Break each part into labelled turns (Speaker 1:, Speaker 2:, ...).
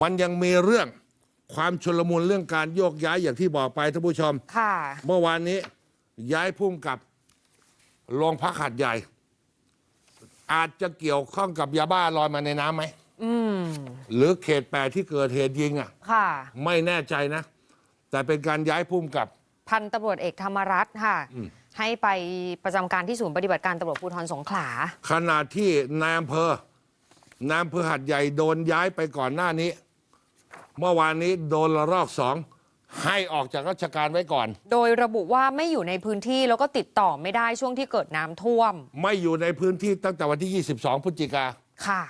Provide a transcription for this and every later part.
Speaker 1: มันยังมีเรื่องความชุลมุนเรื่องการโยกย้ายอย่างที่บอกไปท่านผู้ชม
Speaker 2: ค่ะ
Speaker 1: เมื่อวานนี้ย้ายผู้กำกับโรงพักหาดใหญ่ อาจจะเกี่ยวข้องกับยาบ้าลอยมาในน้ำไหมหรือเขต 8ที่เกิดเหตุยิง
Speaker 2: ค่ะ
Speaker 1: ไม่แน่ใจนะ แต่เป็นการย้ายผู้กำกับ
Speaker 2: พันตำรวจเอกธรรมรัตน์ค่ะให้ไปประจำการที่ศูนย์ปฏิบัติการตำรวจภูธรสงขลา
Speaker 1: ขณะที่นายอำเภอหาดใหญ่โดนย้ายไปก่อนหน้านี้ เมื่อวานนี้โดนระลอก2ให้ออกจากราชการไว้ก่อน
Speaker 2: โดยระบุว่าไม่อยู่ในพื้นที่แล้วก็ติดต่อไม่ได้ช่วงที่เกิดน้ำท่วม
Speaker 1: ไม่อยู่ในพื้นที่ตั้งแต่วันที่22พฤศจิกา
Speaker 2: ค่ะ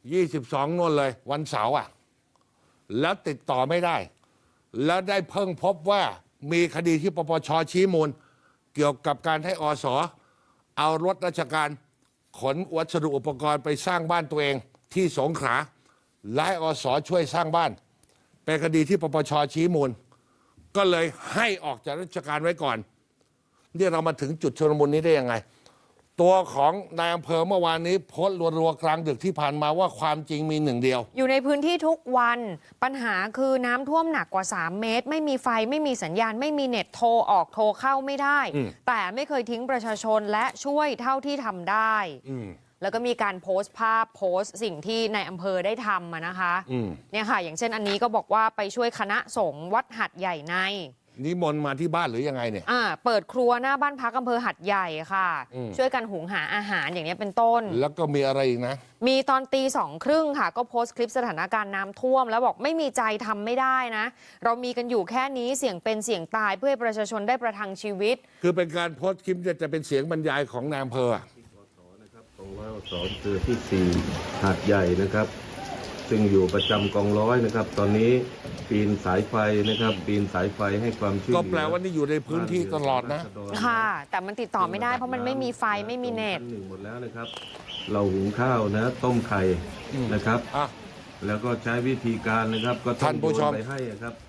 Speaker 1: 22นู่นเลยวันเสาร์แล้วติดต่อไม่ได้ แล้วได้เพิ่งพบว่ามีคดีที่ปปช.ชี้มูลเกี่ยวกับการให้อส.เอารถราชการขนวัสดุอุปกรณ์ไปสร้างบ้านตัวเองที่สงขลาและให้อส.ช่วยสร้างบ้านเป็นคดีที่ปปช.ชี้มูลก็เลยให้ออกจากราชการไว้ก่อนนี่เรามาถึงจุดชุลมุนนี้ได้ยังไงตัวของนายอำเภอเมื่อวานนี้โพสต์รัวๆกลางดึกที่ผ่านมาว่าความจริงมีหนึ่งเดียว
Speaker 2: อยู่ในพื้นที่ทุกวันปัญหาคือน้ำท่วมหนักกว่า3 เมตรไม่มีไฟไม่มีสัญญาณไม่มีเน็ตโทรออกโทรเข้าไม่ได้แต่ไม่เคยทิ้งประชาชนและช่วยเท่าที่ทำได้แล้วก็มีการโพสต์ภาพโพสต์สิ่งที่ในอำเภอได้ทำนะคะเนี่ยค่ะอย่างเช่นอันนี้ก็บอกว่าไปช่วยคณะสงฆ์วัดหัดใหญ่ใน
Speaker 1: นิมนต์มาที่บ้านหรือยังไงเนี่ย
Speaker 2: เปิดครัวหน้าบ้านพักอำเภอหัดใหญ่ค่ะช่วยกันหุงหาอาหารอย่างนี้เป็นต้น
Speaker 1: แล้วก็มีอะไรอีกนะ
Speaker 2: มีตอนตี 2:30ค่ะก็โพสต์คลิปสถานการณ์น้ำท่วมแล้วบอกไม่มีใจทำไม่ได้นะเรามีกันอยู่แค่นี้เสี่ยงเป็นเสี่ยงตายเพื่อให้ประชาชนได้ประทังชีวิต
Speaker 1: คือเป็นการโพสต์คลิปจะเป็นเสียงบรรยายของนายอำเภอ
Speaker 3: ของร้อยอสคือที่4หาดใหญ่นะครับซึ่งอยู่ประจำกองร้อยนะครับตอนนี้ปีนสายไฟนะครับปีนสายไฟให้ความช่วยเหลือ
Speaker 1: ก็แปลว่านี่อยู่ในพื้นที่ตลอดนะ
Speaker 2: ค่ะแต่มันติดต่อไม่ได้เพราะมันไม่มีไฟไม่มีเน็ต
Speaker 3: หมดแล้วนะครับเราหุงข้าวนะต้มไข่นะครับแล้วก็ใช้วิธีการนะครับก็
Speaker 1: ท่านผู้ชม
Speaker 3: ไปให้ครับ